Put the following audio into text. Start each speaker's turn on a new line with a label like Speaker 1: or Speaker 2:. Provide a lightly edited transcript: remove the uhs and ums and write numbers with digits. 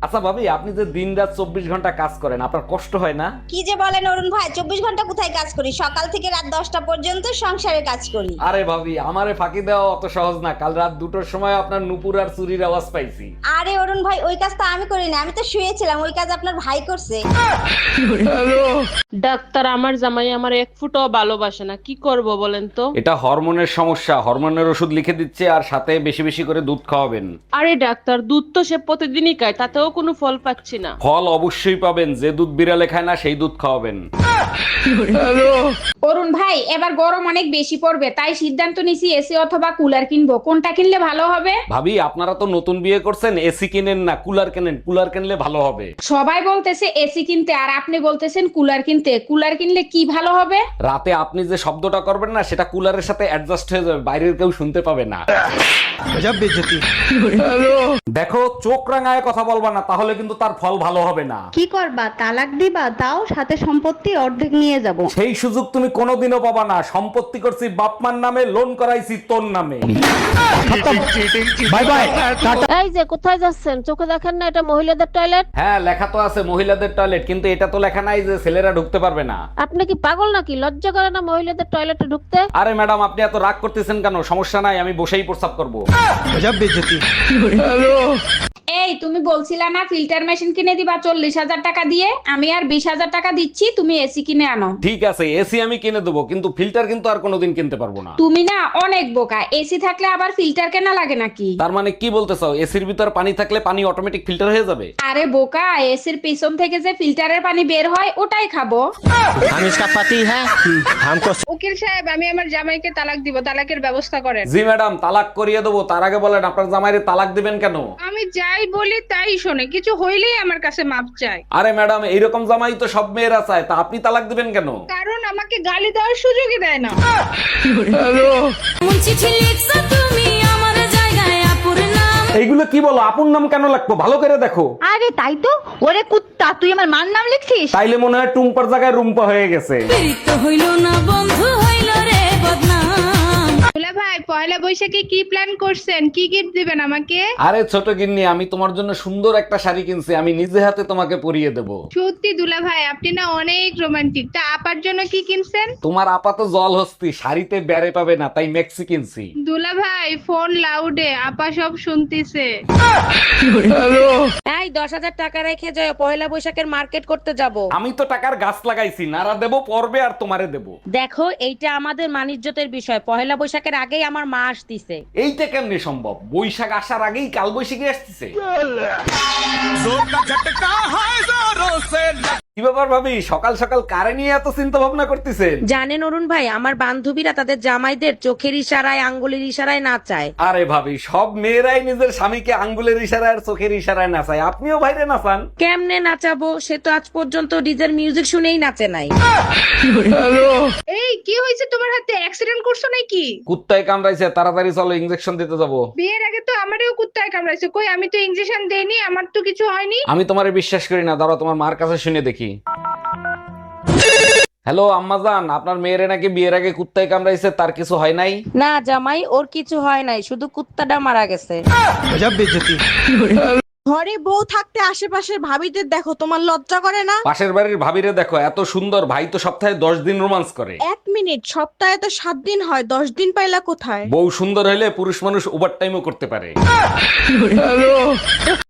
Speaker 1: আচ্ছা ভাবি, আপনি যে দিন রাত 24 ঘন্টা কাজ করেন, আপনার কষ্ট হয় না?
Speaker 2: কি যে বলেন অরুণ ভাই, 24 ঘন্টা কোথায় কাজ করি? সকাল থেকে রাত 10টা পর্যন্ত সংসারে কাজ করি।
Speaker 1: আরে ভাবি, আমারে ফাঁকি দেওয়া অত সহজ না। কাল রাত 2টোর সময় আপনার নুপুর আর চুরির আওয়াজ পাইছি।
Speaker 2: আরে অরুণ ভাই, ওই কাজ তো আমি করি না, আমি তো শুয়েছিলাম। ওই কাজ আপনার ভাই করছে।
Speaker 3: ডাক্তার, আমার জামাই আমার এক ফুটও ভালোবাসে না, কি করব বলেন তো?
Speaker 1: এটা হরমোনের সমস্যা, হরমোনের ওষুধ লিখে দিচ্ছে, আর সাথে বেশি বেশি করে দুধ খাওয়াবেন।
Speaker 3: আরে ডাক্তার, দুধ তো সে প্রতিদিনই খায়, তাতেও কোনো ফল পাচ্ছি না।
Speaker 1: ফল অবশ্যই পাবেন, যে দুধ বিড়ালে খায় না সেই দুধ খাওয়াবেন।
Speaker 4: অরুণ ভাই, এবার গরম অনেক বেশি পড়বে, তাই সিদ্ধান্ত নিছি এসি অথবা কুলার কিনবো। কোনটা কিনলে ভালো হবে?
Speaker 1: ভাবি, আপনারা তো নতুন বিয়ে করছেন, এসি কিনেন না, কুলার কেনেন। কুলার কিনলে ভালো হবে।
Speaker 4: সবাই বলতেছে এসি কিনতে, আর আপনি বলতেছেন কুলার কিনতে। কুলার কিনলে কি ভালো হবে?
Speaker 1: রাতে আপনি যে শব্দটা করবেন না, সেটা কুলারের সাথে অ্যাডজাস্ট হয়ে যাবে, বাইরের কেউ শুনতে পাবে না। দেখো, চোখ রাঙায় কথা বলবা না, তাহলে কিন্তু তার ফল ভালো হবে না।
Speaker 5: কি করবা, তালাক দিবা? তাও সাথে সম্পত্তি অর্ধেক নিয়ে যাব।
Speaker 1: সেই সুযোগ তুমি কোনোদিনও পাবা না। সম্পত্তি করছি বাপমার নামে, লোন করাইছি তোর নামে। Bye bye.
Speaker 6: এই যে কোথায় যাচ্ছেন? চোখে দেখেন না এটা মহিলাদের টয়লেট?
Speaker 1: হ্যাঁ, লেখা তো আছে মহিলাদের টয়লেট, কিন্তু এটা তো লেখা নাই যে ছেলেরা ঢুকতে পারবে না।
Speaker 6: আপনি কি পাগল নাকি? লজ্জা করে না মহিলাদের টয়লেটে ঢুকতে?
Speaker 1: আরে ম্যাডাম, আপনি এত রাগ করতেছেন কেন? সমস্যা নাই, আমি বসেই প্রস্রাব করব।
Speaker 4: এই, তুমি বলছিলা না ফিল্টার মেশিন কিনে দিবা 40,000 টাকা দিয়ে? আমি আর 20,000 টাকা দিচ্ছি, তুমি এসি কিনে আনো।
Speaker 1: ঠিক আছে, এসি আমি কিনে দেবো, কিন্তু ফিল্টার কিন্তু আর কোনোদিন কিনতে পারবো না।
Speaker 4: তুমি না অনেক বোকা। এসি থাকলে আবার ফিল্টার কেনা লাগে নাকি?
Speaker 1: তার মানে কি বলতে চাও, এসির ভিতর পানি থাকলে পানি অটোমেটিক ফিল্টার হয়ে যাবে?
Speaker 4: আরে বোকা, এসির পিছন থেকে যে ফিল্টারের পানি বের হয় ওটাই খাবো।
Speaker 7: हम इसका पति है, हमको
Speaker 4: উকিল সাহেব, আমি আমার জামাইকে তালাক দিব, তালাকের ব্যবস্থা করেন।
Speaker 1: জি ম্যাডাম, তালাক করিয়ে দেবো। তার আগে বলেন, আপনার জামাইরে তালাক দিবেন কেন?
Speaker 4: আমি যাই বলি তাই শোনে, কিছু হইলেই আমার কাছে মাপ চায়।
Speaker 1: আরে ম্যাডাম, এইরকম জামাই তো সব মেয়েরা চায়, তা আপনি তালাক দিবেন কেন?
Speaker 4: কারণ আমাকে গালি দেওয়ার সুযোগই দেয় না।
Speaker 1: এইগুলো কি বলো? আপন নাম কেন লাগতো? ভালো করে দেখো।
Speaker 5: আরে তাই তো। ওরে কুত্তা, তুই আমার মার নাম লিখছিস?
Speaker 1: তাইলে মনে হয় টুম্পার জায়গায় রুম্পা হয়ে গেছে।
Speaker 4: দুলা ভাই, পয়লা বৈশাখে কি প্ল্যান করছেন? কি গিফট দিবেন আমাকে?
Speaker 1: আরে ছোট গিন্নি, আমি তোমার জন্য সুন্দর একটা শাড়ি কিনছি, আমি নিজে হাতে তোমাকে পরিয়ে দেব।
Speaker 4: সত্যি দুলা ভাই, আপনি না অনেক রোমান্টিক। তা আপার জন্য কি কিনছেন?
Speaker 1: তোমার আপাত জল হস্তি, শাড়িতে বেড়ে পাবে না, তাই মেক্সি কিনছি।
Speaker 4: দুলা ভাই, ফোন লাউডে, আপা সব শুনতিছে।
Speaker 6: এই 10,000 টাকা রেখে যাও, পয়লা বৈশাখের মার্কেট করতে যাব।
Speaker 1: আমি তো টাকার গাছ লাগাইছি, নারা দেব পর্বে আর তোমারে দেব।
Speaker 6: দেখো, এইটা আমাদের মানিজ্যতের বিষয়। পয়লা বৈশাখের আগেই আমার মা আসতিছে।
Speaker 1: এইটা কেমনে সম্ভব? বৈশাখ আসার আগেই কাল বৈশাখী আসতেছে। কি ব্যাপার ভাবি, সকাল সকাল কারে নিয়ে এত চিন্তা ভাবনা করতেছেন?
Speaker 6: জানেন অরুণ ভাই, আমার বান্ধবীরা তাদের জামাইদের চোখের ইশারায়, আঙ্গুলের ইশারায় নাচায়।
Speaker 1: আরে ভাবি, সব মেয়েরাই নিজের স্বামীকে আঙ্গুলের ইশারায় আর চোখের ইশারায় নাচায়, আপনিও বাইরে নাচান।
Speaker 6: কেমনে নাচাবো? সে তো আজ পর্যন্ত ডিজের মিউজিক শুনেই নাচে নাই।
Speaker 4: এই, কি হয়েছে তোমার হাতে? অ্যাক্সিডেন্ট করছো নাকি?
Speaker 1: কুত্তায় কামড়াইছে, তাড়াতাড়ি চলো, ইনজেকশন দিতে যাবো।
Speaker 4: বিয়ের আগে তো আমারও কুত্তায় কামড়াইছে। কই, আমি তো ইনজেকশন দেইনি, আমার তো কিছু হয়নি।
Speaker 1: আমি তোমারে বিশ্বাস করি না, দাঁড়াও তোমার মার কাছে শুনে দেখি। হ্যালো আম্মাজান, আপনার মেয়েরে নাকি বিয়ের আগে কুত্তায় কামড়াইছে, তার কিছু হয় নাই?
Speaker 6: না জামাই, ওর কিছু হয় নাই, শুধু কুত্তাটা মারা গেছে।
Speaker 8: ঘরে বউ থাকতে আশেপাশের ভাবিদের দেখো, তোমার লজ্জা করে না?
Speaker 1: পাশের বাড়ির ভাবিরে দেখো, এত সুন্দর, ভাই তো সপ্তাহে 10 দিন রোমান্স করে।
Speaker 8: 1 মিনিট, সপ্তাহে তো 7 দিন হয়, 10 দিন পাইলা কোথায়?
Speaker 1: বউ সুন্দর হলে পুরুষ মানুষ ওভার টাইমও করতে পারে।